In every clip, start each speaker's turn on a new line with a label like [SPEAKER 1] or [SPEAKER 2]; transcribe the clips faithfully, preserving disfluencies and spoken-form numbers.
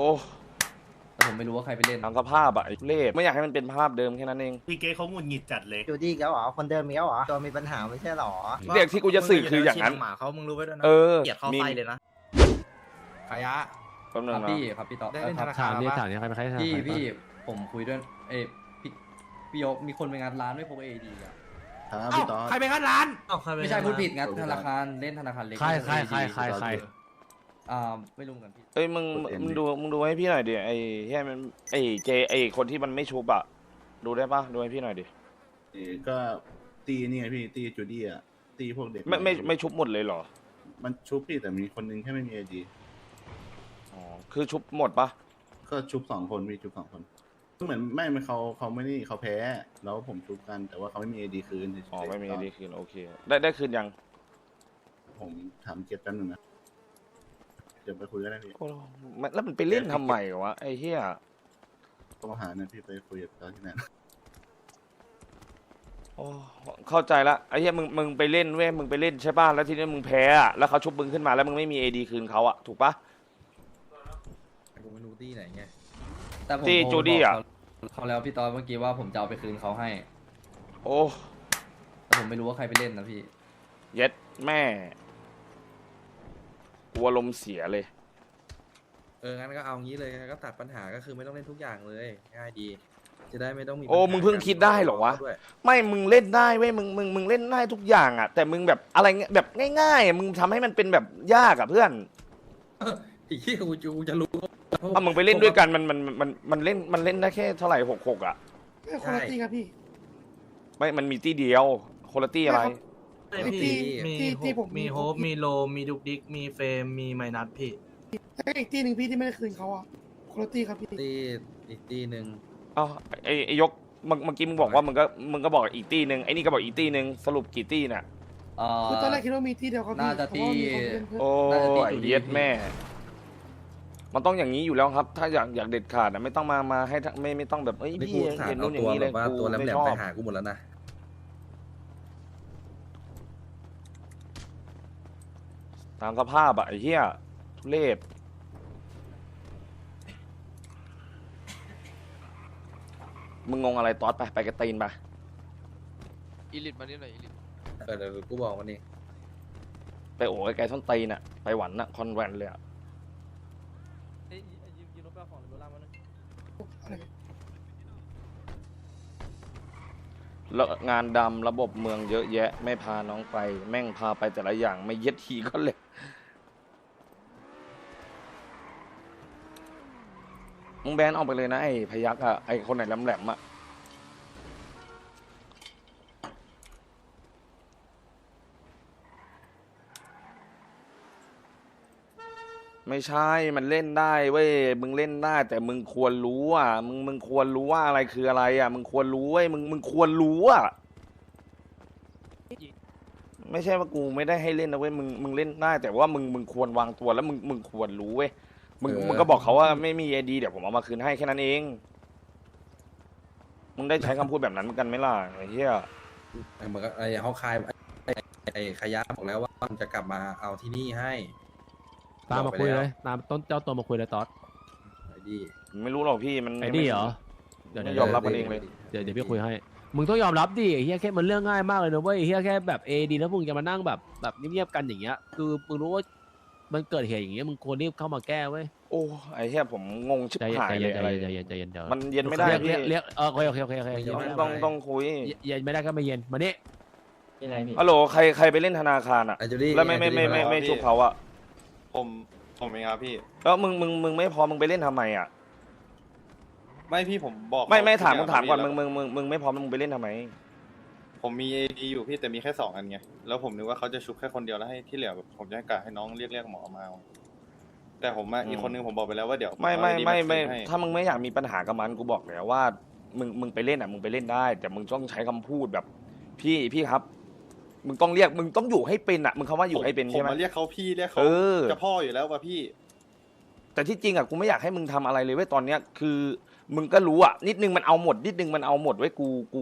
[SPEAKER 1] แต่ผมไม่รู้ว่าใครไปเล่น
[SPEAKER 2] ตามสภาพอะไอ้เล่ไม่อยากให้มันเป็นภาพเดิมแค่นั้นเอง
[SPEAKER 3] พี่เก๊เขาหงุดหงิดจัดเลย
[SPEAKER 4] จูดี้แล้วเหรอคนเดิมมีแล้วเหรอตัวมีปัญหาไม่ใช่เหรอ
[SPEAKER 2] เด็กที่กูจะสื่อคืออย่างนั้น
[SPEAKER 5] หมาเขามึงรู้ไว้ด้วยนะ
[SPEAKER 2] เออ
[SPEAKER 5] เกลียดเข้าไฟเลยนะขยะ
[SPEAKER 2] แป๊บนึ
[SPEAKER 1] ค
[SPEAKER 2] ง
[SPEAKER 1] รับ
[SPEAKER 2] นะ
[SPEAKER 1] พี่ครับพี่ต่อ
[SPEAKER 5] ได้เล่น
[SPEAKER 1] ค
[SPEAKER 5] ธ
[SPEAKER 1] รับ
[SPEAKER 5] นาคาร
[SPEAKER 6] ถามนี่
[SPEAKER 5] ปะ
[SPEAKER 6] ถามนี่ใครเป็นใครถาม
[SPEAKER 1] พี่
[SPEAKER 6] ใคร
[SPEAKER 1] พี่ผมคุยด้วยเอ้ยพี่พี่ยกมีคนไปงานร้านไม่พกเอดีอ่ะ
[SPEAKER 5] เอ้าใครไปงัดร้าน
[SPEAKER 1] ไม่ใช่พูดผิดงานธนาคารเล่นธนาคารเล็ก
[SPEAKER 6] ใครใครใครใครใคร
[SPEAKER 1] อ่าไม่รู้เหมือนกันพี่
[SPEAKER 2] เอ้ยมึงมึงดูมึงดูให้พี่หน่อยดิไอ้เฮียมันไอ้เจไอ้คนที่มันไม่ชุบอะดูได้ปะดูให้พี่หน่อยดิ
[SPEAKER 7] เอ่อก็ตีนี่ไงพี่ตีจูดี้อ่ะตีพวกเด็ก
[SPEAKER 2] ไม่ไม่ไม่ชุบหมดเลยเหรอ
[SPEAKER 7] มันชุบพี่แต่มีคนนึงแค่ไม่มีไอดี
[SPEAKER 2] อ๋อคือชุบหมดปะ
[SPEAKER 7] ก็ชุบสองคนมีชุบสองคนเหมือนไม่ไม่เขาเขาไม่นี่เขาแพ้ แล้วผมชุบกันแต่ว่าเขาไม่มีไอดีคืนเฉยๆ
[SPEAKER 2] อ๋อไม่มีดีคืนโอเคได้ได้คืนยัง
[SPEAKER 7] ผมถามเก็บแป๊บนึงนะเดี๋ยวไปคุยกันได้พี่
[SPEAKER 2] โอ้มันแล้วมันไปเล่นทำไมวะไอ้เฮีย
[SPEAKER 7] ต้องหาเนี่ยพี่ไปคุยกับเขาที่ไหน
[SPEAKER 2] โอ้เข้าใจละไอ้เฮียมึงมึงไปเล่นเว้ยมึงไปเล่นใช่ป่ะแล้วทีนี้มึงแพ้อะแล้วเขาชุบมึงขึ้นมาแล้วมึงไม่มีเอดีคืนเขาอะถูกปะ
[SPEAKER 5] กูไม่รู้ที่ไหนไง
[SPEAKER 1] แต่ผม
[SPEAKER 2] ที่
[SPEAKER 1] โทร
[SPEAKER 2] จูดี้อะ
[SPEAKER 1] บอกเขาแล้วพี่ตอนเมื่อกี้ว่าผมจะเอาไปคืนเขาให้
[SPEAKER 2] โอ้
[SPEAKER 1] แต่ผมไม่รู้ว่าใครไปเล่นนะพี่
[SPEAKER 2] เย็ดแม่กลัวลมณ์เสียเลย
[SPEAKER 5] เอองั้นก็เอางี้เลยก็ตัดปัญหาก็คือไม่ต้องเล่นทุกอย่างเลยง่ายดี จะได้ไม่ต้องมี
[SPEAKER 2] โอ้มึงเพิ่งคิดได้เหรอวะ ไม่มึงเล่นได้เว้ยมึงมึงมึงเล่นได้ทุกอย่างอะแต่มึงแบบอะไรเงี้ยแบบง่ายๆอะมึงทำให้มันเป็นแบบยากอะเพื่อน
[SPEAKER 5] อีกที่กูจะกูจะรู้
[SPEAKER 2] ถ้ามึงไปเล่นด้วยกันมันมันมันมันเล่นมันเล่นได้แค่เท่าไหร่หกหกอะ
[SPEAKER 5] คนละตีครับพี่
[SPEAKER 2] ไม่มันมีตี้เดียวคนละตี้อะไร
[SPEAKER 5] พี่
[SPEAKER 8] มี
[SPEAKER 5] ที่
[SPEAKER 8] ที่ผม
[SPEAKER 5] มีโฮปมีโลมีดุกดิกมีเฟรมมีไมนัสพี่
[SPEAKER 8] แล้วอีกที่หนึ่งพี่ที่ไม่ได้คืนเขาอ่ะคุณตี้ครับพี่
[SPEAKER 5] ตีอีกตีหนึ่ง
[SPEAKER 2] เอ้าไอ้ไอ้ยกเมื่อเมื่อกี้มึงบอกว่ามึงก็มึงก็บอกอีกตี้หนึ่งไอ้นี่ก็บอกอีกตี้หนึ่งสรุปกี่ตี้น่ะ
[SPEAKER 1] เอ่อ
[SPEAKER 8] คือตอนแรกคิดว่ามีที่เดียวครับพี่
[SPEAKER 1] น่าจะ
[SPEAKER 8] แต่ว่ามีคน
[SPEAKER 1] ที่
[SPEAKER 8] เล่นเพิ่ม
[SPEAKER 2] โอ้
[SPEAKER 1] น่าจะตี
[SPEAKER 2] ไอ้
[SPEAKER 1] อยู่ดี
[SPEAKER 2] เย็ดแม่ มันต้องอย่างนี้อยู่แล้วครับ ถ้าอยากอยากเด็ดขาดอะไม่ต้องมามาให้ทั้งไม่ไม่ต้องแบบเอ้ย
[SPEAKER 5] นี่
[SPEAKER 2] พี่
[SPEAKER 5] กูถาม
[SPEAKER 2] เห็น
[SPEAKER 5] เอา
[SPEAKER 2] นู่นอย่า
[SPEAKER 5] ตัว
[SPEAKER 2] งนี้
[SPEAKER 5] แบ
[SPEAKER 2] เลย
[SPEAKER 5] บว่า
[SPEAKER 2] กู
[SPEAKER 5] ตัวแหล
[SPEAKER 2] ไม่
[SPEAKER 5] ม
[SPEAKER 2] ช
[SPEAKER 5] ๆ
[SPEAKER 2] อ
[SPEAKER 5] ไป
[SPEAKER 2] บ
[SPEAKER 5] หากูหมดแล้วนะ
[SPEAKER 2] ตามสภาพอะไอ้เหี้ยทุเรศมึงงงอะไรตอดไปไปกระตีนไป
[SPEAKER 9] อีลิทมานี่หน่อยอีลิท
[SPEAKER 5] เออเดี๋ยวกูบอกวันนี้
[SPEAKER 2] ไปโอ้ไกลๆส้นตีนอะไปหวันอะคอนแวนเลยอะ
[SPEAKER 9] เอ้ยยืมยืมรถไปเอาของในโบราณมาหน่อย
[SPEAKER 2] แล้วงานดำระบบเมืองเยอะแยะ ไม่พาน้องไป แม่งพาไปแต่ละอย่างไม่เย็ดทีก็เลยมึงแบนออกไปเลยนะไอ้พยักอะไอ้คนไหนแหลมๆอะไม่ใช่ มันเล่นได้เว้ย มึงเล่นได้ แต่มึงควรรู้อ่ะ มึงมึงควรรู้ว่าอะไรคืออะไรอ่ะ มึงควรรู้เว้ย มึงมึงควรรู้อ่ะ ไม่ใช่ว่ากูไม่ได้ให้เล่นนะเว้ย มึงมึงเล่นได้ แต่ว่ามึงมึงควรวางตัวแล้วมึงมึงควรรู้เว้ย มึงมึงก็บอกเขาว่าไม่มีไอดีเดี๋ยวผมเอามาคืนให้แค่นั้นเอง มึงได้ใช้คำพูดแบบนั้นกันไหมล่ะไอ้เหี้ย
[SPEAKER 5] ไอ้เหมือนกับไอ้เขาคายไอ้ไอ้ขยะบอกแล้วว่ามันจะกลับมาเอาที่นี่ให้
[SPEAKER 6] ตามมาคุยเลยตามต้นเจ้าตัวมาคุยเลยตอด
[SPEAKER 5] ไอ้ดี
[SPEAKER 2] ไม่รู้หรอกพี่มัน
[SPEAKER 6] ไอ้นี่เหรอเดี๋ยว
[SPEAKER 2] ไม่
[SPEAKER 6] เดี๋ยวย
[SPEAKER 2] อมรับมันเองเลย
[SPEAKER 6] เดี๋ยวเดี๋ยวพี่คุยให้มึงต้องยอมรับดิไอ้เฮียแค่มันเรื่องง่ายมากเลยนะเว้ยไอ้เฮียแค่แบบเอดีแล้วมึงจะมานั่งแบบแบบเงียบๆกันอย่างเงี้ยคือมึงรู้ว่ามันเกิดเหตุอย่างเงี้ยมึงควรรีบเข้ามาแก้เว้ย
[SPEAKER 2] โอ้ไอ้เหี้ยผมงงชิบ
[SPEAKER 6] ใจเย็น
[SPEAKER 2] หาย
[SPEAKER 6] ใจ
[SPEAKER 2] เล
[SPEAKER 6] เย็
[SPEAKER 2] ย
[SPEAKER 6] นใจ
[SPEAKER 2] ไอ้
[SPEAKER 6] เย็นใจเย็นใจเย็นเดี๋ยว
[SPEAKER 2] มันเย็นไม่ได้
[SPEAKER 6] เรียก
[SPEAKER 2] พี่
[SPEAKER 6] เรียกเรียกเออโอเคโอเคโอเคโอเค
[SPEAKER 2] ต้องต้องต้องคุย
[SPEAKER 6] เย็นไม่ได้ก็ไม่เย็นมานี่
[SPEAKER 4] ยังไงพี่
[SPEAKER 2] ฮัลโหลใครใครไปเล่นธนาคารอ่ะ
[SPEAKER 5] ไอ้จูดี้
[SPEAKER 2] แล้วไม่ไม่ไม่ไม่ไม่ชุบเขาอ่ะ
[SPEAKER 10] ผมผมเองครับพี่
[SPEAKER 2] แล้วมึงมึงมึงไม่พอมึงไปเล่นทำไมอ่ะ
[SPEAKER 10] ไม่พี่ผมบอก
[SPEAKER 2] ไม่ไม่ถาม
[SPEAKER 10] เข
[SPEAKER 2] มึงถามก่อน
[SPEAKER 10] ทุ
[SPEAKER 2] มึ
[SPEAKER 10] ย่
[SPEAKER 2] งมึงมึงมึงไม่พอมึงไปเล่นทำไม
[SPEAKER 10] ผมมีเอดีอยู่พี่แต่มีแค่สองอันไงแล้วผมนึกว่าเขาจะชุบแค่คนเดียวแล้วให้ที่เหลือแบบผมจะให้กะให้น้องเรียกเรียกหมอมาเอาแต่ผมอะ
[SPEAKER 2] อืม
[SPEAKER 10] อีกคนนึงผมบอกไปแล้วว่าเดี๋ยว
[SPEAKER 2] ไม่ไม่
[SPEAKER 10] เอา ID
[SPEAKER 2] ไม่ไม่
[SPEAKER 10] คืนให้
[SPEAKER 2] ถ้ามึงไม่อยากมีปัญหากับมันกูบอกแล้วว่า มึงมึงไปเล่นอ่ะมึงไปเล่นได้ แต่มึงต้องใช้คำพูดแบบ พี่พี่ครับ มึงต้องเรียกมึงต้องอยู่ให้เป็นอ่ะมึงคำว่าอยู่ให้เป็น
[SPEAKER 10] ผม
[SPEAKER 2] ใช่ไหม
[SPEAKER 10] มาเรียกเขาพี่เรียกเขา
[SPEAKER 2] เออ
[SPEAKER 10] จะพ่ออยู่แล้วว่ะพี่
[SPEAKER 2] แต่ที่จริงอ่ะกูไม่อยากให้มึงทำอะไรเลยเว้ยตอนเนี้ยคือ มึงก็รู้อ่ะนิดนึงมันเอาหมดนิดนึงมันเอาหมดไว้ยกูกู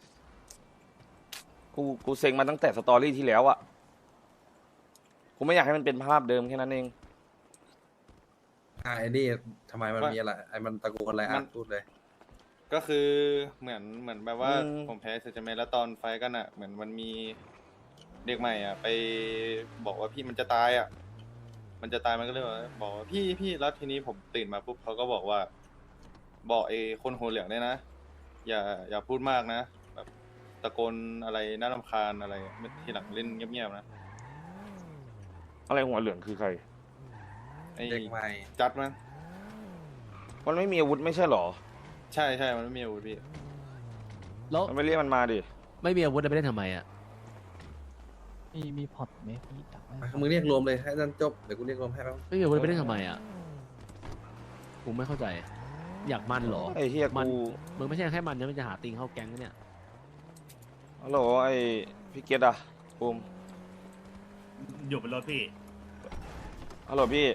[SPEAKER 2] กูกูเซ็งมาตั้งแต่สตอรี่ที่แล้วอ่ะกูไม่อยากให้มันเป็นภาพเดิมแค่นั้นเอง
[SPEAKER 5] อ่าไอ้นี่ทำไมมันมีอะไรไอ้มันตะโกนอะไรอ่ะพูดเลย
[SPEAKER 10] ก็คือเหมือนเหมือนแบบว่า
[SPEAKER 2] อืม
[SPEAKER 10] ผมแพ้เซจเมนแล้วตอนไฟท์กันอ่ะ เหมือนมันมีเด็กใหม่อ่ะ ไปบอกว่าพี่มันจะตายอ่ะ มันจะตายมันก็เลยว่าบอกว่าพี่พี่แล้วทีนี้ผมตื่นมาปุ๊บเขาก็บอกว่า บอกไอ้คนหัวเหลืองเนี่ยนะ อย่าอย่าพูดมากนะแบบตะโกนอะไรน่ารำคาญอะไรทีหลังเล่นเงียบๆนะ
[SPEAKER 2] อะไรหัวเหลืองคือใคร
[SPEAKER 10] ไอ้
[SPEAKER 5] เด็กใหม่
[SPEAKER 10] จัดมั้ง
[SPEAKER 2] มันไม่มีอาวุธไม่ใช่เหรอ
[SPEAKER 10] ใช่ใช่มันไม่มีอาวุธพี่
[SPEAKER 6] แล้ว
[SPEAKER 2] มันไม่เรียกมันมาดิ
[SPEAKER 6] ไม่มีอาวุธจะไปเล่นทำไมอ่ะ
[SPEAKER 9] มีมีพอร์ตไหมพี่จับไว้
[SPEAKER 5] อ่ะมึงเรียกรวมเลยให้นั่นจบเดี๋ยวกูเรียกรวมให้แป๊บ
[SPEAKER 6] ไม่มีอาวุธไปเล่นทำไมอ่ะกูไม่เข้าใจ อยากมันเหรอ
[SPEAKER 2] ไอ้เฮีย
[SPEAKER 6] มัน
[SPEAKER 2] กู
[SPEAKER 6] มึงไม่ใช่แค่มันนะมันจะหาติงเข้าแก๊งนะเนี่ย
[SPEAKER 2] ฮัลโหลไอ้พี่เกตอะภูมิ
[SPEAKER 3] อยู่บนรถพี่
[SPEAKER 2] ฮัลโหลพี่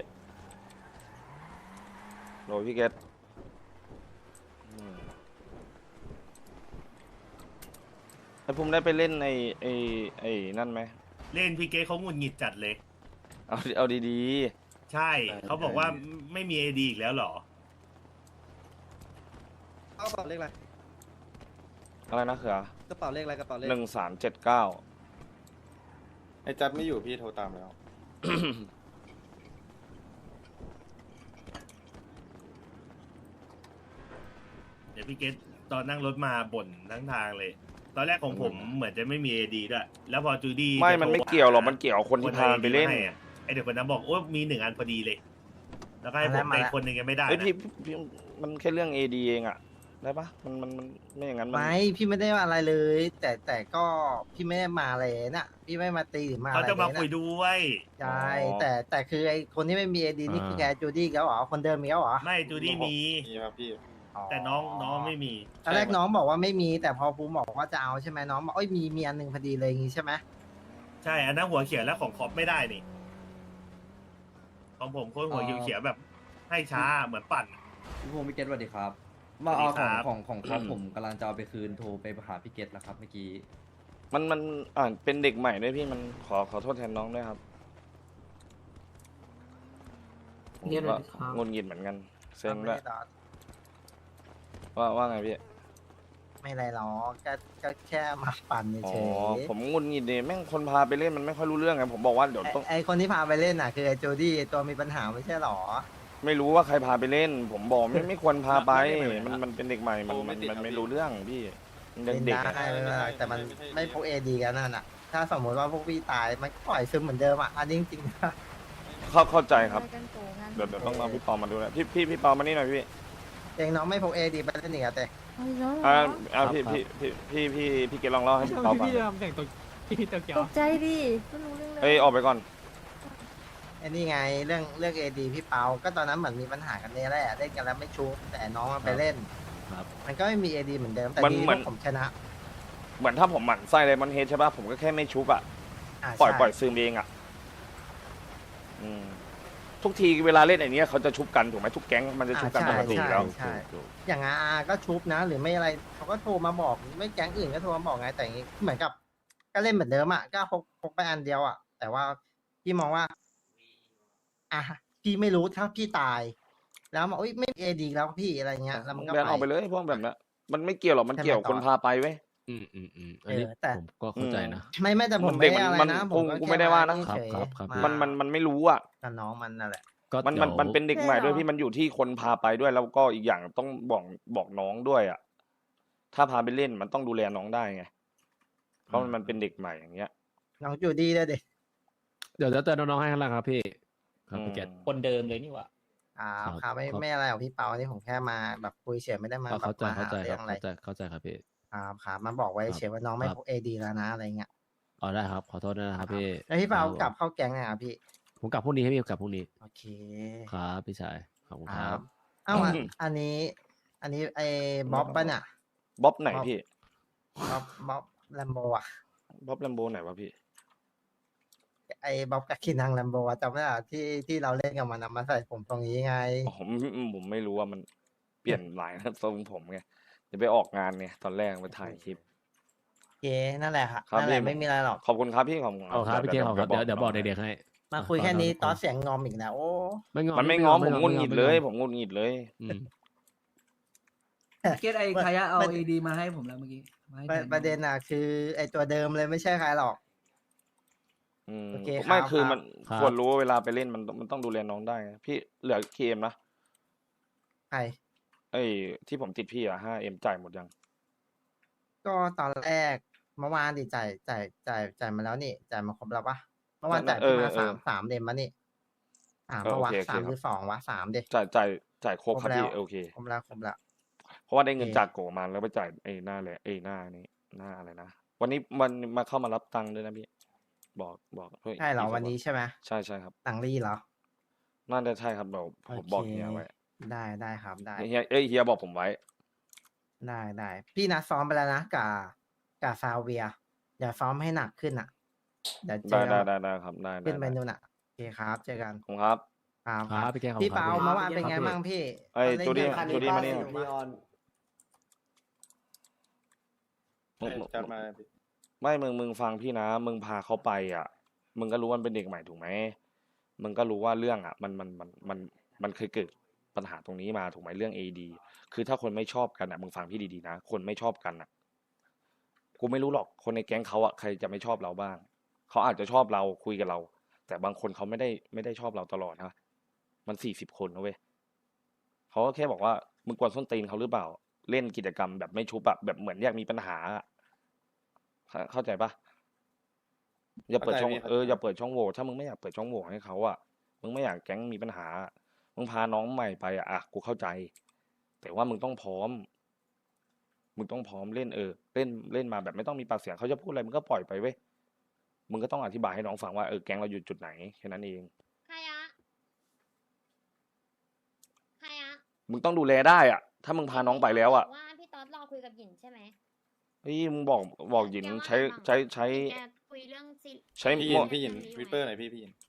[SPEAKER 2] ฮัลโหลพี่เกตอืมไอ้ภูมิได้ไปเล่นไอ้ไอ้ไอ้นั่นไหม
[SPEAKER 3] เล่นพี่เก๊เขาหงุดหงิดจัดเลย
[SPEAKER 2] เอาเอาดี
[SPEAKER 3] ใช่เขาบอกว่าไม่มีเอดีอีกแล้วเหรอ
[SPEAKER 9] กระเป๋าเลขอะไร
[SPEAKER 2] ๆอะไรนะเขือก
[SPEAKER 9] ระเป๋าเลขอะไรกระเป๋าเลข
[SPEAKER 2] หนึ่งสามเจ็ดเก้า
[SPEAKER 10] ไอ้จัดไม่อยู่พี่โทรตามแล้ว
[SPEAKER 3] เดี๋ยวพี่เก๊ตอนนั่งรถมาบ่นทั้งทางเลย ตอนแรกของผมเหมือนจะไม่มีเอดีด้วย แล้วพอจูดี้
[SPEAKER 2] ไม่มันไม่เกี่ยวหรอกมันเกี่ยวกับคนที่พามันไปเล่น
[SPEAKER 3] ให้อะไอเด็กคนนั้นบอกโอ้มีหนึ่งอันพอดีเลย แล้วก็ให้ผมไปคนหนึ่งยังไม่ได้
[SPEAKER 2] เฮ้ย
[SPEAKER 3] นะ
[SPEAKER 2] พี่พี่มันแค่เรื่อง เอ ดี เองอะได้ปะมันมันมันไม่อย่างนั้นมัน
[SPEAKER 4] ไม่พี่ไม่ได้ว่าอะไรเลย แต่แต่ก็พี่ไม่ได้มาเลยน่ะ พี่ไม่มาตีหรือมา
[SPEAKER 3] เขา
[SPEAKER 4] อะไร
[SPEAKER 3] จะมา
[SPEAKER 4] เลย
[SPEAKER 3] คุย
[SPEAKER 4] นะ
[SPEAKER 3] ด้วย
[SPEAKER 4] ใช่แต่แต่คือไอคนที่ไม่มีเอดีนี่คือแกจูดี้แล้วเหรอคนเดิมมีแล้วเหรอ
[SPEAKER 3] ไม่จูดี้มี
[SPEAKER 10] มีครับพี่
[SPEAKER 3] แต่น้องน้องไม่มี
[SPEAKER 4] ตอนแรกน้องบอกว่าไม่มี แต่พอภูมิบอกว่าจะเอาใช่ไหมน้องบอกเอ้ยมีมีอันหนึ่งพอดีเลยอย่างงี้ใช่ไหม
[SPEAKER 3] ใช่ อันนั้นหัวเขียวแล้วของคอปไม่ได้นี่ ของผมโค้ดหัวเขียวๆแบบ ให้ช้าเหมือนปั่น
[SPEAKER 1] พี่ภูมิพี่เกตสวัสดีครับ มาเอา
[SPEAKER 3] สวั
[SPEAKER 1] ของ
[SPEAKER 3] สดีครับ
[SPEAKER 1] ของของครับผมกำลังจะเอาไปคืนโทรไปหาพี่เกตแล้วครับเมื่อกี้
[SPEAKER 2] มันมันอ่านเป็นเด็กใหม่ด้วยพี่มันขอขอโทษแทนน้องด้วยครับผมก็งุนงิดเหมือนกันเซ็ง
[SPEAKER 4] ไม่
[SPEAKER 2] ด้วย
[SPEAKER 4] ได้หรอก
[SPEAKER 2] ว่าว่าไงพี่
[SPEAKER 4] ไม่อะไรหรอกก็ก็แค่มาปั่น
[SPEAKER 2] อ๋อ
[SPEAKER 4] เฉย
[SPEAKER 2] ผมงุนงิดเนี่ยแม่งคนพาไปเล่นมันไม่ค่อยรู้เรื่องไงผมบอกว่าเดี๋ยว
[SPEAKER 4] ๆไอ้
[SPEAKER 2] ต้อง
[SPEAKER 4] ไอคนที่พาไปเล่นน่ะคือไอโจดี้ไอ้ตัวมีปัญหาไม่ใช่หรอ
[SPEAKER 2] ไม่รู้ว่าใครพาไปเล่น ผมบอกไม่ไม่ควรพาไป
[SPEAKER 3] ไม่ไม่ไม่
[SPEAKER 2] มันมันเป็นเด็กใหม่มัน
[SPEAKER 10] โอ้
[SPEAKER 2] มั
[SPEAKER 10] ไม่
[SPEAKER 2] น
[SPEAKER 10] ติด
[SPEAKER 2] มัน
[SPEAKER 10] ครับ
[SPEAKER 2] ไม่
[SPEAKER 10] พี่
[SPEAKER 2] รู้เรื่องพี่มันยัง
[SPEAKER 4] เล่น
[SPEAKER 2] เด็ก
[SPEAKER 4] ได้
[SPEAKER 2] อะ
[SPEAKER 4] ไม่เป็นไรแต่มัน
[SPEAKER 10] ไม่ใช่
[SPEAKER 4] ไม่พกเอดีกันนั่นน่ะ ถ้าสมมติว่าพวกพี่ตายมันก็ปล่อยซึมเหมือนเดิมอ่ะอันนี้จริงๆนะ
[SPEAKER 2] เข้าเข้าใจครับ
[SPEAKER 11] กันโกงกัน
[SPEAKER 2] เดี๋ยวเดี๋ยวต้องเอาพี่ปอมาดูนะพี่พี่พี่ปอมานี่หน่อยพี่
[SPEAKER 4] เองน้องไม่พกเอดีไปเล่นอีกอะแต่
[SPEAKER 11] เอาอีกแล้วเหร
[SPEAKER 2] อ่า
[SPEAKER 11] อ
[SPEAKER 2] อ่าพี่พี่พี่พี่พี่พี่เกดลองเล่าให้พี่ปอฟัง
[SPEAKER 9] พี่ทำแต่งตัวพี่ตัวเกียว
[SPEAKER 11] ตกใจดิไม่รู้เรื่องเลย
[SPEAKER 2] เอ้ยออกไปก่อน
[SPEAKER 4] ไอ้นี่ไงเรื่องเรื่องเอดีพี่เปาก็ตอนนั้นเหมือนมีปัญหากันเนี่ยแหละเล่นกันแล้วไม่ชุบแต่น้องมันไปเล่น
[SPEAKER 6] ครับ
[SPEAKER 4] มันก็ไม่มีเอดีเหมือนเดิมแต่
[SPEAKER 2] มัน
[SPEAKER 4] ดี
[SPEAKER 2] เหมื
[SPEAKER 4] พ
[SPEAKER 2] อ
[SPEAKER 4] วน กผมชนะ
[SPEAKER 2] เหมือนถ้าผมหมั่นไส้เลยมันเฮดใช่ป่ะผมก็แค่ไม่ชุบอะ
[SPEAKER 4] อ่า
[SPEAKER 2] ปล่อย
[SPEAKER 4] ใช่
[SPEAKER 2] ปล่อยซึมเองอะอืมทุกทีเวลาเล่นไอ้เนี้ยเขาจะชุบกันถูกไหมทุกแก๊งมันจะชุบกันปกติอยู่แล้ว
[SPEAKER 4] ใช่อย่างอาก็ชุบนะ หรือไม่อะไรเขาก็โทรมาบอกไม่แก๊งอื่นก็โทรมาบอกไงแต่อย่างงี้เหมือนกับ ก็เล่นเหมือนเดิมอ่ะก็พกพกไปอันเดียวอ่ะแต่ว่าพี่มองว่าอ่ะพี่ไม่รู้ถ้าพี่ตาย แล้วบอกเอ้ยไม่เอดีแล้วพี่อะไรเงี้ยแล้วมันก็
[SPEAKER 2] แบนออกไปเลยพวกแบบนั้นมันไม่เกี่ยวหรอกมันเกี่ยวกับคนพาไปเว้ย
[SPEAKER 6] อืมอืมอืมอันนี้
[SPEAKER 4] เออแต่
[SPEAKER 6] ผมก็เข้าใจนะ
[SPEAKER 4] ไม่ไม่แต่ผม
[SPEAKER 2] เด็
[SPEAKER 4] ไม่
[SPEAKER 2] ก
[SPEAKER 4] ได้
[SPEAKER 2] มัน
[SPEAKER 4] อะไร
[SPEAKER 2] มัน
[SPEAKER 4] นะผ
[SPEAKER 2] กู
[SPEAKER 4] มก็
[SPEAKER 2] กู
[SPEAKER 4] แ
[SPEAKER 2] ไม่ได้ว่านะ
[SPEAKER 4] เฉย
[SPEAKER 6] ครับครับ
[SPEAKER 4] า
[SPEAKER 2] มันมันมันไม่รู้อ่ะ
[SPEAKER 4] กับน้องมันนั่นแหละ
[SPEAKER 6] ก็
[SPEAKER 2] มันมัน
[SPEAKER 6] ดี๋ยว
[SPEAKER 2] มันเป็นเด็กใหม่ด้วยพี่มันอยู่ที่คนพาไปด้วย แล้วก็อีกอย่างต้องบอกบอกน้องด้วยอ่ะถ้าพาไปเล่นมันต้องดูแลน้องได้ไงเพราะมันมันเป็นเด็กใหม่อย่างเงี้ย
[SPEAKER 4] น้องจูดี้ด้วยดิ
[SPEAKER 6] เดี๋ยวจะเตือนน้องๆให้ข้างหล่างครับพี่ครับพี่เกต
[SPEAKER 9] คนเดิมเลยนี่หว่า
[SPEAKER 4] อ่า
[SPEAKER 6] ครับ
[SPEAKER 4] ครับไม่
[SPEAKER 6] ครับ
[SPEAKER 4] ไม่อะไรหรอกพี่เปานี่ผมแค่มาแบบคุยเฉยไม่ได้มา
[SPEAKER 6] ก็
[SPEAKER 4] แบบ
[SPEAKER 6] เข้าใจ
[SPEAKER 4] มา
[SPEAKER 6] เข้า
[SPEAKER 4] หา
[SPEAKER 6] ใจค
[SPEAKER 4] เรื่
[SPEAKER 6] รั
[SPEAKER 4] อบ งอะไร
[SPEAKER 6] เข้าใจเข้าใจครับพี่
[SPEAKER 4] ครับครับมาบอกไว้
[SPEAKER 6] ครับ
[SPEAKER 4] เฉยว่าน้องไม่
[SPEAKER 6] ครับ
[SPEAKER 4] พกเอดีแล้วนะอะไรเงี้ย
[SPEAKER 6] อ๋อได้ครับขอโทษด้วยนะครับพี่
[SPEAKER 4] แล้วพี่เปา
[SPEAKER 6] ครับ
[SPEAKER 4] กลับเข้าแก๊งไงครับพี่
[SPEAKER 6] ผมกลับพรุ่งนี้ให้พี่กลับพรุ่งนี้
[SPEAKER 4] โอเค
[SPEAKER 6] ครับพี่ชายขอบคุณ
[SPEAKER 4] ค
[SPEAKER 6] ค
[SPEAKER 4] รั
[SPEAKER 6] รั
[SPEAKER 4] บบ เอ้าอันอันนี้ อันนี้ไอ้บ๊อบป่ะเนี่ย
[SPEAKER 2] บ๊อบไหนพี่
[SPEAKER 4] บ๊อบบ๊อบแลมโบอ่ะ
[SPEAKER 2] บ๊อบแลมโบไหนวะพี่
[SPEAKER 4] ไอ้บ๊อบกับคินังแลมโบจำได้เหรอที่ที่เราเล่นกับมันอะมาใส่ผมตรงนี้ไง
[SPEAKER 2] ผมผมไม่รู้ว่ามันเปลี่ยนหลายนะทรงผมไงจะไปออกงานไงตอนแรกไปถ่ายคลิป
[SPEAKER 4] โอเคนั่นแหละค่ะ
[SPEAKER 2] ครับ
[SPEAKER 4] นั่นแหละ
[SPEAKER 2] พี่
[SPEAKER 4] ไม่มีอะไรหรอก
[SPEAKER 2] ขอบคุณครับพี่ขอบคุณ
[SPEAKER 6] เอาครับพี่เกตขอบคุณครับเดี๋ยวเดี๋ยวบอก
[SPEAKER 2] ให้
[SPEAKER 6] เด็กๆให้
[SPEAKER 4] มาคุยแค่นี้ตอนเสียงงอมอีกแล้วโอ้
[SPEAKER 6] ไม่งอ
[SPEAKER 2] มันไม่ง้อผมงุนหงิดเลย ผมงุนหงิดเลย
[SPEAKER 6] อืม
[SPEAKER 12] เกตไอ้ใครเอาเอดีมาให้ผมแล้วเมื่อกี้มาให้
[SPEAKER 4] ประ
[SPEAKER 12] แทน
[SPEAKER 4] ประเด็นอ่ะคือไอตัวเดิมเลยไม่ใช่ใครหรอก
[SPEAKER 2] อืม
[SPEAKER 4] โอเคครับ
[SPEAKER 2] ไม่คือ
[SPEAKER 4] ครับ
[SPEAKER 2] มัน
[SPEAKER 6] ครับ
[SPEAKER 2] ควรรู้ว่าเวลาไปเล่นมันมันต้องดูแลน้องได้ไงพี่เหลือเคมนะ
[SPEAKER 4] ใคร
[SPEAKER 2] ไอ้ที่ผมติดพี่อะห้าเอ็มจ่ายหมดยัง
[SPEAKER 4] ก็ตอนแรกเมื่อวานดิจ่ายจ่ายจ่ายจ่ายมาแล้วนี่จ่ายมาครบแล้วปะเมื่อวานจ่ายพี่มาสามสามเดมมานี่สาม
[SPEAKER 2] เออ
[SPEAKER 4] ปะวะ
[SPEAKER 2] โอเคโอเค
[SPEAKER 4] สาม
[SPEAKER 2] ครับ
[SPEAKER 4] หรือสองวะสามเด
[SPEAKER 2] จ่ายจ่ายจ่ายครบ
[SPEAKER 4] ครบ
[SPEAKER 2] ครับ
[SPEAKER 4] แล้ว
[SPEAKER 2] พี่โอเค
[SPEAKER 4] ครบแล้วครบแล้ว
[SPEAKER 2] เพราะว่าได้เงิน
[SPEAKER 4] โอเค
[SPEAKER 2] จากโกมาแล้วไปจ่ายไอ้หน้าแหละไอ้หน้านี้หน้าอะไรนะวันนี้มันมาเข้ามารับตังค์ด้วยนะพี่บอกบอกฮ้ย
[SPEAKER 4] ใช่เหรอ
[SPEAKER 2] พี่
[SPEAKER 4] วันนี้ใช่ไหม
[SPEAKER 2] ใช่ใช่ครับ
[SPEAKER 4] ตังรี่เหรอ
[SPEAKER 2] น่าจะใช่ครับเราผม
[SPEAKER 4] โอเค
[SPEAKER 2] บอกเฮียไว้
[SPEAKER 4] ได้ได้ครับได้
[SPEAKER 2] เฮียเอ้ยเฮียบอกผมไว้
[SPEAKER 4] ได้ได้พี่นัดซ้อมไปแล้วนะกับกับซาเวียเดี๋ยวซ้อมให้หนักขึ้นอ่ะเดี๋ยวเจ
[SPEAKER 2] ได้
[SPEAKER 4] อ
[SPEAKER 2] ได้ได้ได้ครับได้
[SPEAKER 4] ขึ้นไป
[SPEAKER 2] ได้
[SPEAKER 4] นู่นอ่ะโอเคครับเจอกัน
[SPEAKER 2] ผมครับ
[SPEAKER 4] ครับ
[SPEAKER 6] ครับพี่แกของ
[SPEAKER 4] พี่
[SPEAKER 6] ครับ
[SPEAKER 4] เปา
[SPEAKER 6] พี่
[SPEAKER 4] เมื่อวานเป็นไงบ้างพี่
[SPEAKER 2] ไอ้
[SPEAKER 4] ตอน
[SPEAKER 2] จูดี้
[SPEAKER 4] เล่นกับ
[SPEAKER 2] จูดี้มานี่
[SPEAKER 4] คันนี้
[SPEAKER 10] ใช่จัดมาพี่
[SPEAKER 2] ไม่มึงมึงฟังพี่นะ มึงพาเขาไปอ่ะ มึงก็รู้ว่ามันเป็นเด็กใหม่ถูกไหมมึงก็รู้ว่าเรื่องอ่ะ มันมันมันมันมันเคยเกิดปัญหาตรงนี้มาถูกไหมเรื่องเอดีคือถ้าคนไม่ชอบกันอ่ะมึงฟังพี่ดีๆนะคนไม่ชอบกันอ่ะกูไม่รู้หรอกคนในแก๊งเขาอ่ะใครจะไม่ชอบเราบ้างเขาอาจจะชอบเราคุยกับเรา แต่บางคนเขาไม่ได้ไม่ได้ชอบเราตลอดนะมันสี่สิบคนนะเว้ยเขาก็แค่บอกว่ามึงกวนส้นตีนเขาหรือเปล่า เล่นกิจกรรมแบบไม่ชุบอะแบบเหมือนอยากมีปัญหาอะเข้าเข้าใจปะอย่าเปิดช่อง
[SPEAKER 10] เข้าใจพี่
[SPEAKER 2] เอออย่าเปิดช่องโหว่ถ้ามึงไม่อยากเปิดช่องโหว่ให้เขาอะมึงไม่อยากแก๊งมีปัญหาอะมึงพาน้องใหม่ไปอะอ่ะกูเข้าใจ แต่ว่ามึงต้องพร้อม มึงต้องพร้อมเล่นเออเล่นเล่นมาแบบไม่ต้องมีปากเสียงเขาจะพูดอะไรมึงก็ปล่อยไปเว้ยมึงก็ต้องอธิบายให้น้องฟังว่าเออแก๊งเราอยู่จุดไหนแค่นั้นเอง
[SPEAKER 11] ใครอะใครอะ
[SPEAKER 2] มึงต้องดูแลได้อะถ้ามึงพาน้องไปแล้วอะ
[SPEAKER 11] ว่าพี่ต๊อดรอคุยกับหยินใช่ไหม
[SPEAKER 2] เฮ้ยมึงบอกบอกหยินใช้ใช้ใช้
[SPEAKER 11] แกคุยเรื่องซี
[SPEAKER 2] ใช้
[SPEAKER 10] พี่
[SPEAKER 2] ห
[SPEAKER 10] ยิ
[SPEAKER 2] ม
[SPEAKER 10] น
[SPEAKER 2] ด
[SPEAKER 10] พี่ยินวิปเปอร์หน่อยพี่พี่ยิน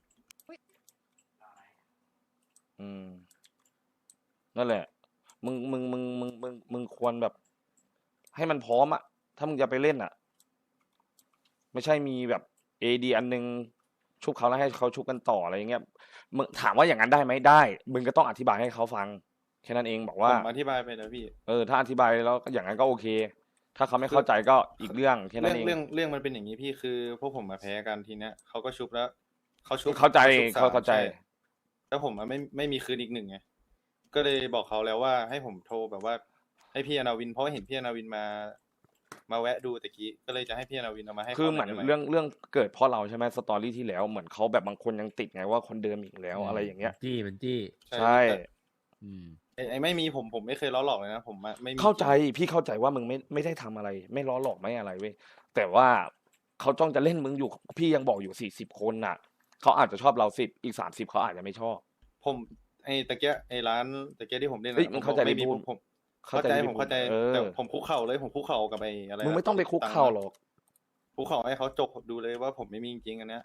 [SPEAKER 2] อืมนั่นแหละ มึงมึงมึงมึงมึงมึงควรแบบ ให้มันพร้อมอะถ้ามึงจะไปเล่นอะไม่ใช่มีแบบเอดีอันนึงชุบเขาแล้วให้เขาชุบกันต่ออะไรอย่างเงี้ยมึงถามว่าอย่างนั้นได้ไหมได้ มึงก็ต้องอธิบายให้เขาฟังแค่นั้นเองบอก
[SPEAKER 10] ผ
[SPEAKER 2] ว่า
[SPEAKER 10] มอธิบายไปแล้วพี่
[SPEAKER 2] เออถ้าอธิบายแล้วอย่างนั้นก็โอเค ถ้าเขาไม่เข้าใจก็อีกเรื่องแค่นั้
[SPEAKER 10] เรื่อน ง
[SPEAKER 2] เอง
[SPEAKER 10] เรื่องเรื่องมันเป็นอย่างนี้พี่คือพวกผมมาแพ้กันทีเนี้ยเขาก็ชุบแล้วเขาชุบ
[SPEAKER 2] เข้าใจ
[SPEAKER 10] ชุบสม
[SPEAKER 2] เข้าใจ
[SPEAKER 10] ช่แล้วผมอะไม่ไม่มีคืนอีกหนึ่งไงก็เลยบอกเขาแล้วว่าให้ผมโทรแบบว่า ให้พี่อนาวินเพราะว่าเห็นพี่อนาวินมา มาแวะดูตะกี้ก็เลยจะให้พี่อนาวินเอามาให้
[SPEAKER 2] คือ
[SPEAKER 10] ขา
[SPEAKER 2] เหมือน
[SPEAKER 10] ได้ไ
[SPEAKER 2] เรื่องเรื่องเกิดเพราะเราใช่ไหมสตอรี่ที่แล้วเหมือนเขาแบบบางคนยังติดไงว่าคนเดิมอีกแล้วอะไรอย่างเงี้ย
[SPEAKER 6] จี้มันจี้
[SPEAKER 2] ใช่
[SPEAKER 10] แต่
[SPEAKER 6] อืม
[SPEAKER 10] ไอ้ไอ้ไม่มีผมผมไม่เคยล้อหลอกเลยนะผมอะไม่มี
[SPEAKER 2] เข้าใจพี่เข้าใจว่ามึงไม่ไม่ได้ทำอะไร ไม่ล้อหลอกไม่อะไรเว้ยแต่ว่าเขาจ้องจะเล่นมึงอยู่พี่ยังบอกอยู่สี่สิบคนน่ะเขาอาจจะชอบเราสิบอีกสามสิบเขาอาจจะไม่ชอบ
[SPEAKER 10] ผมไอ้ตะเกียไอ้ร้านตะเกียที่ผมเล่นอะ
[SPEAKER 2] เฮ้ย
[SPEAKER 10] ผ
[SPEAKER 2] มึง
[SPEAKER 10] บ
[SPEAKER 2] เข้า
[SPEAKER 10] อก
[SPEAKER 2] ใจ
[SPEAKER 10] ไม่มี
[SPEAKER 2] ที่พู
[SPEAKER 10] ผ
[SPEAKER 2] ด
[SPEAKER 10] มผมเข้าใจ
[SPEAKER 2] ที่
[SPEAKER 10] ผมเข้าใจ
[SPEAKER 2] เออ
[SPEAKER 10] แต่ผมคุกเข่าเลยผมคุกเข่ากับไอ้อะไร
[SPEAKER 2] มึงไม่ต้องไปคุกเข่าหรอก
[SPEAKER 10] คุกเข่าให้เขาจกดูเลยว่าผมไม่มีจริงๆอันเนี้ย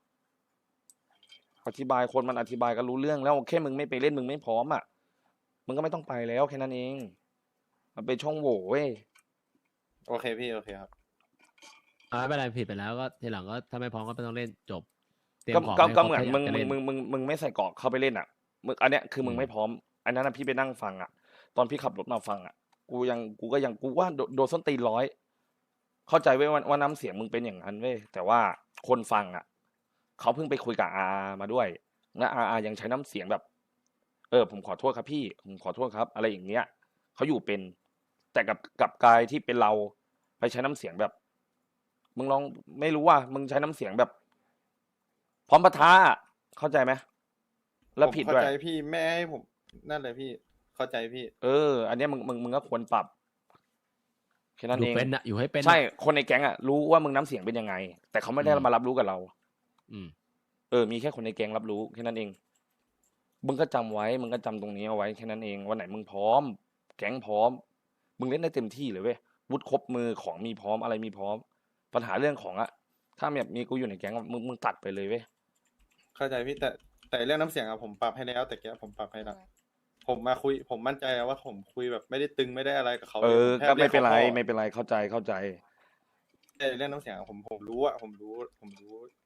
[SPEAKER 2] อธิบายคนมันอธิบายก็รู้เรื่องแล้วแค่มึงไม่ไปเล่นมึงไม่พร้อมอ่ะมึงก็ไม่ต้องไปแล้วแค่นั้นเองมันเป็นช่องโหว่เว้ย
[SPEAKER 10] โอเคพี่โอเคครับ
[SPEAKER 6] อ่าไม่เป็นไรผิดไปแล้วก็ทีหลังก็ถ้าไม่พร้อมก็ไม่ต้องเล่นจบเตรีย
[SPEAKER 2] ก็
[SPEAKER 6] มของ
[SPEAKER 2] ก็
[SPEAKER 6] ให้
[SPEAKER 2] ก็
[SPEAKER 6] ครบ
[SPEAKER 2] เหมือน
[SPEAKER 6] ถ้าอยา
[SPEAKER 2] มึง
[SPEAKER 6] จะ
[SPEAKER 2] มึ
[SPEAKER 6] เล่
[SPEAKER 2] ง
[SPEAKER 6] น
[SPEAKER 2] มึงมึงมึงไม่ใส่เกราะเข้าไปเล่นอ่ะมึงอันเนี้ยคือมึง
[SPEAKER 6] อืม
[SPEAKER 2] ไม่พร้อม อันนั้นนะพี่ไปนั่งฟังอ่ะ ตอนพี่ขับรถมาฟังอ่ะ กูยังกูก็ยังกูว่าโดโดนส้นตีนร้อย เข้าใจเว้ยว่าว่าน้ำเสียงมึงเป็นอย่างนั้นเว้ยแต่ว่าคนฟังอ่ะเขาเพิ่งไปคุยกับอามาด้วยและอาอายังใช้น้ำเสียงแบบ เออ ผมขอโทษครับพี่ผมขอโทษครับ อะไรอย่างเงี้ยเขาอยู่เป็น แต่กับกับกายที่เป็นเราไปใช้น้ำเสียงแบบ มึงลองไม่รู้ว่า มึงใช้น้ำเสียงแบบ พร้อมปะทะอะเข้าใจไหมแล้วผิด
[SPEAKER 10] ผม
[SPEAKER 2] ด้วย
[SPEAKER 10] เข้าใจพี่แม่ให้ผมนั่นเลยพี่เข้าใจพี่
[SPEAKER 2] เออ อันเนี้ยมึงมึงมึงก็ควรปรับแค่นั้น
[SPEAKER 6] อยู่
[SPEAKER 2] เอง
[SPEAKER 6] เป็นอะอยู่ให้เป็นอะ
[SPEAKER 2] ใช่คนในแก๊งอะรู้ว่ามึงน้ำเสียงเป็นยังไง แต่เขาไม่ได้
[SPEAKER 6] อืม
[SPEAKER 2] มารับรู้กับเรา
[SPEAKER 6] อืม
[SPEAKER 2] เออ มีแค่คนในแก๊งรับรู้แค่นั้นเอง มึงก็จำไว้ มึงก็จำตรงนี้เอาไว้แค่นั้นเอง วันไหนมึงพร้อม แก๊งพร้อม มึงเล่นได้เต็มที่เลยเว้ย วุฒิครบมือของมีพร้อมอะไรมีพร้อม ปัญหาเรื่องของอะถ้าแบบมีกูอยู่ในแก๊งอะมึงมึงตัดไปเลยเว้ย
[SPEAKER 10] เข้าใจพี่แต่แต่เรื่องน้ำเสียงอะผมปรับให้แล้วแต่แกผมปรับให้แล้วผมมาคุยผมมั่นใจว่าผมคุยแบบไม่ได้ตึงไม่ได้อะไรกับเขา
[SPEAKER 2] เอ
[SPEAKER 10] ลย
[SPEAKER 2] อ
[SPEAKER 10] ผมแค่
[SPEAKER 2] ก็ไม่เป็นไร
[SPEAKER 10] ยกขาพ่อ
[SPEAKER 2] ไม่เป็นไร เข้าใจ เข้าใจ
[SPEAKER 10] แต่เรื่องน้ำเสียงอะผมผมรู้อะผมรู้ผมรู้ เฉ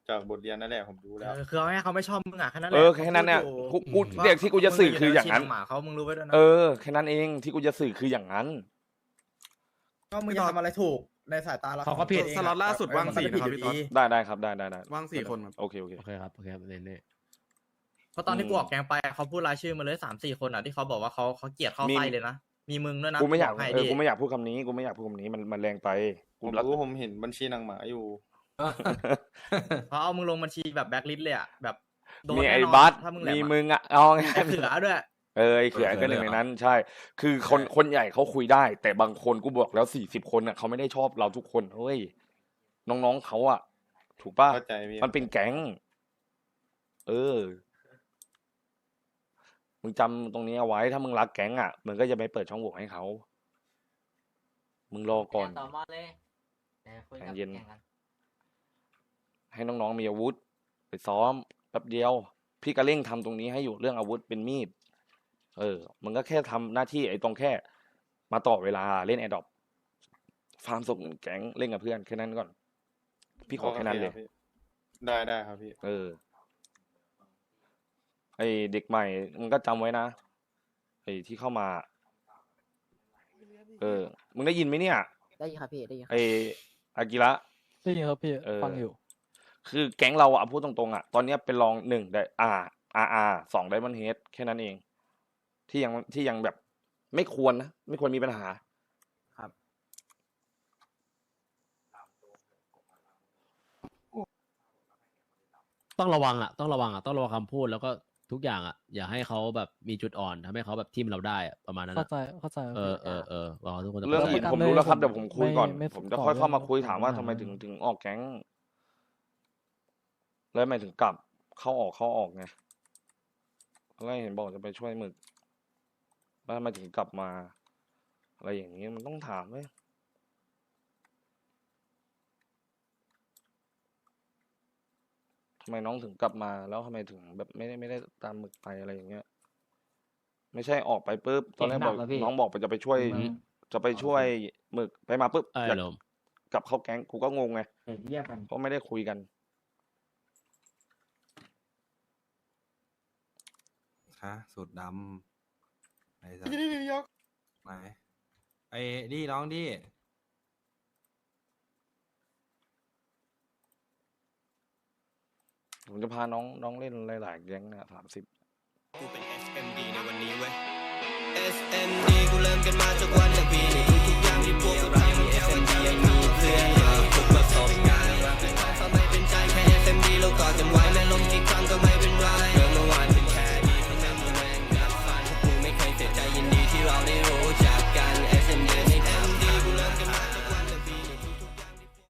[SPEAKER 10] จากบทเรียนนั่นแหละผมรู้แล้ว
[SPEAKER 13] คือเอาให้เขาไม่ชอบมึงอ่ะแค่นั้นแห
[SPEAKER 2] เอ
[SPEAKER 13] ละ
[SPEAKER 2] อแค่นั้นเนี่ย
[SPEAKER 13] ขาพูด
[SPEAKER 2] กู
[SPEAKER 13] อยู่
[SPEAKER 2] กูเด็กที่กูจะสื่อคืออย่างนั้น
[SPEAKER 13] มึงยู่ในบัญชีหมาเขามึงรู้ไว้ด้วยนะ
[SPEAKER 2] เออแค่นั้นเองที่กูจะสื่อคืออย่างนั้น
[SPEAKER 13] ก็มึงจะทำอะไรถูกในสายตาเรา
[SPEAKER 6] เขาก็ผิด
[SPEAKER 13] องะ
[SPEAKER 8] สล็อตล่าสุดว่างสี่
[SPEAKER 13] มันก็
[SPEAKER 8] นะครับ
[SPEAKER 13] ผิ
[SPEAKER 8] พี่ต๊อด
[SPEAKER 13] อยู่ดี
[SPEAKER 2] ได้ได้ครับได้ได้ได้
[SPEAKER 8] ว่างสี่คนครับ
[SPEAKER 2] โอเคโอเค
[SPEAKER 6] โอเคครับโอเคครับเน่
[SPEAKER 13] เพราะตอนที่กูออกแกงไปเขาพูดรายชื่อมาเลยสามสี่คนอ่ะที่เขาบอกว่าเขาเขาเกลียดเข้าไส้เลยนะมีมึงด้วยนะ
[SPEAKER 2] กูไม่อยาก
[SPEAKER 13] บให้
[SPEAKER 2] เออ
[SPEAKER 13] ดิ
[SPEAKER 2] กูไม่อยากพูดคำนี้กูไม่อยากพูดคำนี้มันมันแรงไป
[SPEAKER 10] ผ
[SPEAKER 2] กู
[SPEAKER 10] ม
[SPEAKER 2] รัก
[SPEAKER 10] รู้ผมเห็นบัญชีนางหมาอยู่
[SPEAKER 13] เขาเอามึงลงบัญชีแบบแบ็คลิสต์เลยอ่ะแบบโดน
[SPEAKER 2] มี
[SPEAKER 13] แน่
[SPEAKER 2] ไอ้
[SPEAKER 13] นอน
[SPEAKER 2] บัส
[SPEAKER 13] ถ้ามึงแหล
[SPEAKER 2] มี
[SPEAKER 13] ม
[SPEAKER 2] มึงอ่ะเอาไง
[SPEAKER 13] ไอ้เขือด้วย
[SPEAKER 2] เออไอ้เขือก็หนึ่งในนั้น ใช่ คือคนคนใหญ่เขาคุยได้ แต่บางคนกูบอกแล้วสี่สิบคนอ่ะเขาไม่ได้ชอบเราทุกคนเฮ้ยน้องๆเขาอ่ะ ถูกป่ะ
[SPEAKER 10] เข้าใจพี่
[SPEAKER 2] มันเป็นแก๊ง เออ มึงจำตรงนี้เอาไว้ ถ้ามึงรักแก๊งอ่ะ มึงก็จะไม่เปิดช่องโหว่ให้เขา มึงรอก่อน
[SPEAKER 12] ต่อมาเลยคุย
[SPEAKER 2] ใจ
[SPEAKER 12] กับ
[SPEAKER 2] เย็น
[SPEAKER 12] แข่งกัน
[SPEAKER 2] ให้น้องๆมีอาวุธ ไปซ้อมแป๊บเดียว พี่ก็เร่งทำตรงนี้ให้อยู่เรื่องอาวุธเป็นมีด เออ มึงก็แค่ทำหน้าที่ไอ้ตรงแค่ มาต่อเวลาเล่นแอดดอปฟาร์มส่งเงินแก๊งเล่นกับเพื่อนแค่นั้นก่อน พี่ขอแค่นั้นเลย
[SPEAKER 10] โอครับพี่ได้ได้ครับพี่
[SPEAKER 2] เออ ไอเด็กใหม่มึงก็จำไว้นะ ไอที่เข้ามา เออ มึงได้ยินไหมเนี่ย
[SPEAKER 12] ได้ยินครับพี่ได้ยิน
[SPEAKER 2] ไออากิระ
[SPEAKER 9] ได้ยินครับพี่
[SPEAKER 2] เออ
[SPEAKER 9] ฟังอยู่
[SPEAKER 2] คือแก๊งเราอะพูดตรงๆอะตอนเนี้ยเป็นรองหนึ่งได้อาอาอาสองไดมอนเฮดแค่นั้นเอง ที่ยังที่ยังแบบไม่ควรนะ ไม่ควรมีปัญหา
[SPEAKER 6] ต้องระวังอ่ะต้องระวังอ่ะต้องระวังคำพูดแล้วก็ทุกอย่างอ่ะอย่าให้เขาแบบมีจุดอ่อนทำให้เขาแบบทิมเราได้อะประมาณนั้น
[SPEAKER 9] เข้า
[SPEAKER 6] อะ
[SPEAKER 9] ใจเข้าใจครับ
[SPEAKER 6] เออ
[SPEAKER 9] พี่
[SPEAKER 6] เออเออรอทุกคน
[SPEAKER 2] เรื่อง
[SPEAKER 9] แต่
[SPEAKER 2] อื่น
[SPEAKER 9] ประกัน
[SPEAKER 2] ผมรู้แล้วครับ
[SPEAKER 9] เลย
[SPEAKER 2] เดี๋ยวผมคุยก่อน
[SPEAKER 9] ไม่ไม่
[SPEAKER 2] ผมจะ
[SPEAKER 9] ต่อ
[SPEAKER 2] ค่อยเข้ามา
[SPEAKER 9] เรื่อง
[SPEAKER 2] คุยถามว่า
[SPEAKER 9] ของ
[SPEAKER 2] ทำไม
[SPEAKER 9] อาหาร
[SPEAKER 2] ถึงถึงออกแก๊ง แล้วทำไมถึงกลับเข้าออกเข้าออกไงแล้วเห็นบอกจะไปช่วยหมึกแล้วทำไมถึงกลับมา อะไรอย่างนี้มันต้องถามไหมทำไมน้องถึงกลับมา แล้วทำไมถึงแบบไม่ได้ไม่ได้ตามหมึกไปอะไรอย่างเงี้ย ไม่ใช่ออกไปปุ๊บตอนแรกบอกน้องบอกไปจะไปช่วย จะไปช่วยหมึกไปมาปุ๊บ
[SPEAKER 6] ไอ้
[SPEAKER 2] อยาก
[SPEAKER 6] ลม
[SPEAKER 2] กลับเข้าแก๊งกูก็งงไง
[SPEAKER 12] เรียกกัน
[SPEAKER 2] เพราะไม่ได้คุยกัน
[SPEAKER 5] ฮะสูตรดำไหนสัก
[SPEAKER 8] นี่นี่นี่ยก
[SPEAKER 5] ไหนไอ้ดิน้องดิ
[SPEAKER 2] ผมจะพาน้องน้องเล่นหลายๆแก๊งเนี่ยสามสิบ
[SPEAKER 14] กูเป็น เอส เอ็ม ดี ในวันนี้เว้ย เอส เอ็ม ดี กูเริ่มกันมาจากวัน